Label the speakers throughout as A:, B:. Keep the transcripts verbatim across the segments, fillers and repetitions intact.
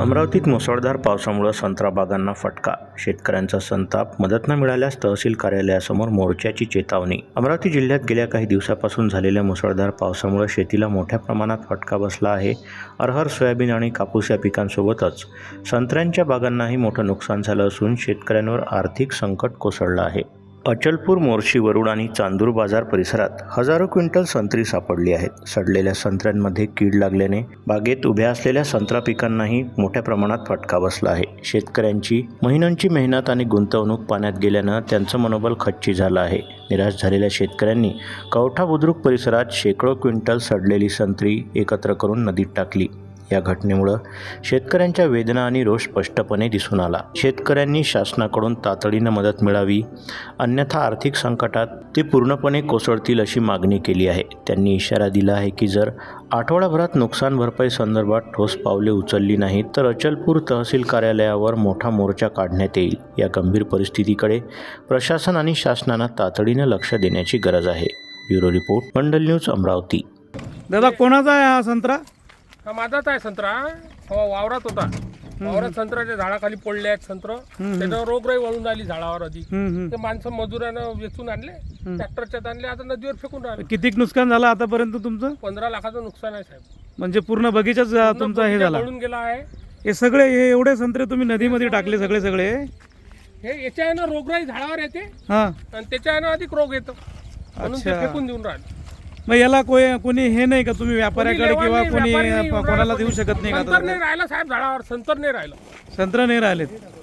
A: अमरावतीत मुसळधार पावसामुळे संत्रा बागांना फटका. शेतकऱ्यांचा संताप. मदत न मिळाल्यास तहसील कार्यालयासमोर मोर्चाची चेतावणी. अमरावती जिल्ह्यात गेल्या काही दिवसापासून झालेल्या मुसळधार पावसामुळे शेतीला मोठ्या प्रमाणात फटका बसला आहे. अरहर, सोयाबीन आणि कापूस या पिकांसोबतच संत्र्यांच्या बागांनाही मोठं नुकसान झालं असून शेतकऱ्यांवर आर्थिक संकट कोसळलं आहे. अचलपूर, मोर्शी, वरुड आणि चांदूर बाजार परिसरात हजारो क्विंटल संत्री सापडली आहेत. सडलेल्या संत्र्यांमध्ये कीड लागल्याने बागेत उभ्या असलेल्या संत्रा पिकांनाही मोठ्या प्रमाणात फटका बसला आहे. शेतकऱ्यांची महिन्यांची मेहनत आणि गुंतवणूक पाण्यात गेल्यानं त्यांचं मनोबल खच्ची झालं आहे. निराश झालेल्या शेतकऱ्यांनी कवठा बुद्रुक परिसरात शेकडो क्विंटल सडलेली संत्री एकत्र करून नदीत टाकली. या घटनेमुळे शेतकऱ्यांच्या वेदना आणि रोष स्पष्टपणे दिसून आला. शेतकऱ्यांनी शासनाकडून तातडीनं मदत मिळावी, अन्यथा आर्थिक संकटात ते पूर्णपणे कोसळतील अशी मागणी केली आहे. त्यांनी इशारा दिला आहे की जर आठवडाभरात नुकसान भरपाई संदर्भात ठोस पावले उचलली नाहीत तर अचलपूर तहसील कार्यालयावर मोठा मोर्चा काढण्यात येईल. या गंभीर परिस्थितीकडे प्रशासन आणि शासनानं तातडीनं लक्ष देण्याची गरज आहे. Bureau report, Mandal news, Amravati.
B: दादा, कोणाचा आहे हा संत्रा?
C: हा माझाच आहे संत्रा. हो, वावरात होता. वावरात संत्र्याच्या झाडाखाली पडले आहेत संत्र. त्याच्यावर रोगराई वळून आली झाडावर आधी. ते माणसं मजुरानं वेचून आणले, ट्रॅक्टरच्यात आणले, आता नदीवर फेकून राहिले.
B: किती नुकसान झालं आतापर्यंत तुमचं?
C: पंधरा लाखाचं नुकसान आहे साहेब.
B: म्हणजे पूर्ण बगीचाच तुमचा हे झाला?
C: पळून गेला आहे.
B: हे सगळे हे एवढे संत्रे तुम्ही नदीमध्ये टाकले सगळे सगळे?
C: हे याच्या आहे ना रोगराई झाडावर येते
B: हा,
C: आणि त्याच्या आहे ना अधिक रोग येतो म्हणून ते
B: अच्छा.
C: फेकून देऊन राहिले.
B: मग याला कोणी कोणी हे नाही का, तुम्ही व्यापाऱ्याकडे किंवा कोणी कोणाला देऊ शकत नाही का?
C: संतर नाही राहिला साहेब झाडावर, संतर नाही राहिलं.
B: संत्र नाही राहिलेत.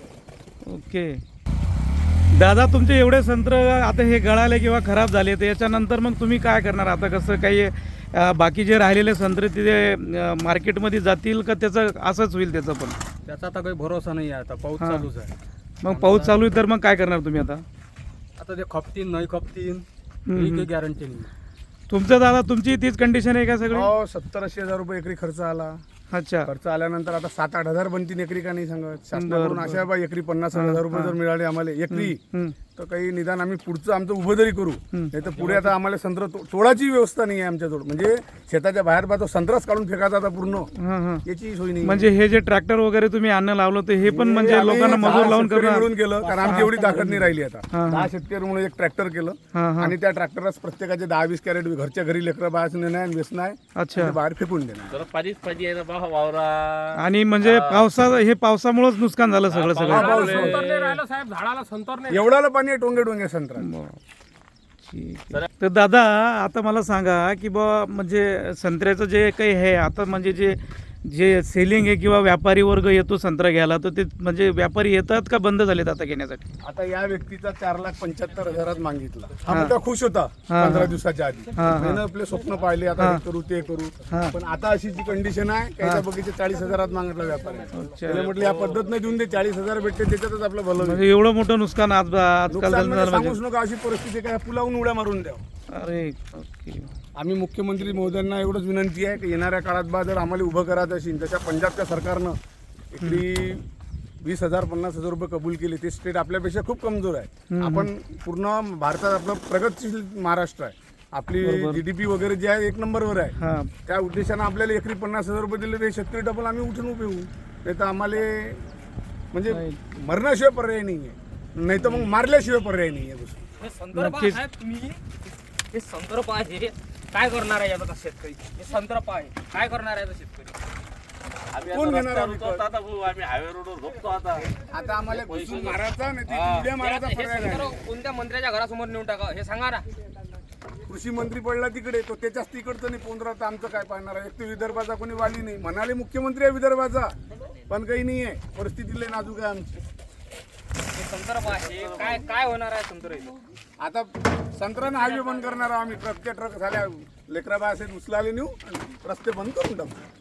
B: ओके दादा, तुमचे एवढे संत्र आता हे गळाले किंवा खराब झाले तर याच्यानंतर मग तुम्ही काय करणार? आता कसं काही अं, बाकी जे राहिलेले संत्रे तिथे अं, मार्केटमध्ये जातील का त्याचं असंच होईल? त्याचं पण
D: त्याचा आता काही भरोसा नाही आहे. आता पाऊस
B: हा.
D: चालूच आहे.
B: मग पाऊस चालू आहे तर मग काय करणार तुम्ही आता?
D: आता ते खपतीन नाही खपतीन
B: हम्म,
D: ही
B: हम्म.
D: काही गॅरंटी नाही.
B: तुमचं दादा, तुमची तीच कंडिशन आहे का सगळी?
E: हो, सत्तर ऐंशी हजार रुपये एकरी खर्च आला.
B: अच्छा.
E: खर्च आल्यानंतर आता सात आठ हजार बनतील एकरी का नाही सांगत. शासनाकडून
B: बरं,
E: अशा बा एकरी पन्नास हजार रुपये जर मिळाले आम्हाला एकरी,
B: हम्म.
E: तर काही निदान आम्ही पुढचं आमचं उभं तरी करू. नाही तर पुढे आता आम्हाला संत्र तो- तोडाची व्यवस्था नाही आहे आमच्याजवळ. म्हणजे शेताच्या बाहेर बा तो संत्राच काढून फेकायचा आता पूर्ण,
B: हा, हा.
E: याची सोय नाही.
B: म्हणजे हे जे ट्रॅक्टर वगैरे तुम्ही आणणं लावलं तर हे पण म्हणजे
E: आम्ही
B: लोकांना
E: दहा
B: मजूर लावून
E: शेतकरी
B: करणार?
E: मिळून केलं, कारण आमची एवढी ताकद नाही राहिली आता.
B: हा, हा.
E: दहा शेतकरी म्हणून एक ट्रॅक्टर केलं
B: हा, हा.
E: आणि त्या ट्रॅक्टरलाच प्रत्येकाचे दहा वीस कॅरेट घरच्या घरी लेकरं बाहेर नेणं आहे, वेचणं आहे,
B: अच्छा.
E: ते बाहेर फेकून देणार.
C: पाणीच पाहिजे ना बा वावरा.
B: आणि म्हणजे पावसा हे पावसामुळेच नुकसान झालं सगळं सगळं?
C: संतर नाही राहिलं साहेब, झाडाला संतर नाही.
E: एवढाला पाणी आहे टोंगे टोंगे संत्रा.
B: ठीक आहे. तर दादा, आता मला सांगा की बा म्हणजे संत्र्याचं जे काही आहे आता, म्हणजे जे जे सेलिंग आहे किंवा व्यापारी वर्ग येतो संत्रा घ्यायला, तर ते म्हणजे व्यापारी येतात का बंद झालेत आता घेण्यासाठी?
E: आता या व्यक्तीचा चार लाख पंच्याहत्तर हजारात मागितला. हा मुद्दा खुश होता पंधरा दिवसाच्या आधी.
B: हा, हा.
E: त्यानं आपले स्वप्न पाहिले, आता हे करू ते करू.
B: हा.
E: पण आता अशी जी कंडिशन आहे, त्याच्या बगीचे चाळीस हजारात मागितला व्यापारी. त्याने म्हटलं या पद्धत नाही देऊन दे, चाळीस हजार भेटते त्याच्यातच आपलं भलं होईल.
B: म्हणजे एवढं मोठं नुकसान आज आजकाल
E: नुकसान
B: झालं
E: म्हणजे
B: म्हणजे?
E: सांगूच नका, अशी परिस्थिती काय पुलावून उड्या मारून द्या.
B: अरे ओके.
E: आम्ही मुख्यमंत्री महोदयांना एवढंच विनंती आहे की येणाऱ्या काळात बा जर आम्हाला उभं करायचं असेल, तशा पंजाबच्या सरकारनं इकडली वीस हजार पन्नास हजार रुपये कबूल केले. ते स्टेट आपल्यापेक्षा खूप कमजोर आहे. आपण पूर्ण भारतात आपलं प्रगतशील महाराष्ट्र आहे. आपली जीडीपी वगैरे जे आहे एक नंबरवर आहे.
B: हा.
E: त्या उद्देशानं आपल्याला एकरी पन्नास हजार रुपये दिले, ते शेतकरी डबल आम्ही उठून उभे होऊ. नाही तर आम्हाला म्हणजे मरण्याशिवाय पर्याय नाही आहे, नाही तर मग मारल्याशिवाय पर्याय नाही आहे.
F: हे संदर्भ
B: नक्कीच.
F: आहे तुम्ही, हे संदर्भ आहे. काय करणार आहे याचा शेतकरी? हे संदर्भ आहे, काय करणार आहे याचा शेतकरी?
E: कोण घेणार आम्ही कर?
C: आम्ही हायवे रोडवर झोपतो आता.
E: आता आम्हाला घुसून मारायचा नाही तर उड्या मारायचा
F: हे
E: पर्याय नाही.
F: संदर्भ कोणत्या मंत्र्याच्या घरासमोर नेऊन टाका हे सांगा ना.
E: कृषी मंत्री पडला तिकडे, तो त्याच्याच तिकडचं नाही पोंद्रा, तर आमचं काय पाहणार आहे? एक तर विदर्भाचा कोणी वाली नाही. म्हणाले मुख्यमंत्री आहे विदर्भाचा, पण काही नाही आहे. परिस्थिती लय नाजूक आहे आमची.
F: हे संदर्भ आहे, काय काय होणार आहे संदर्भ?
E: आता संत्र्यानं हायवे बंद करणार आहोत आम्ही. ट्रकच्या ट्रक झाल्या, लेकरा बाय असेल उचलाले नेऊ आणि रस्ते बंद करून टाकू.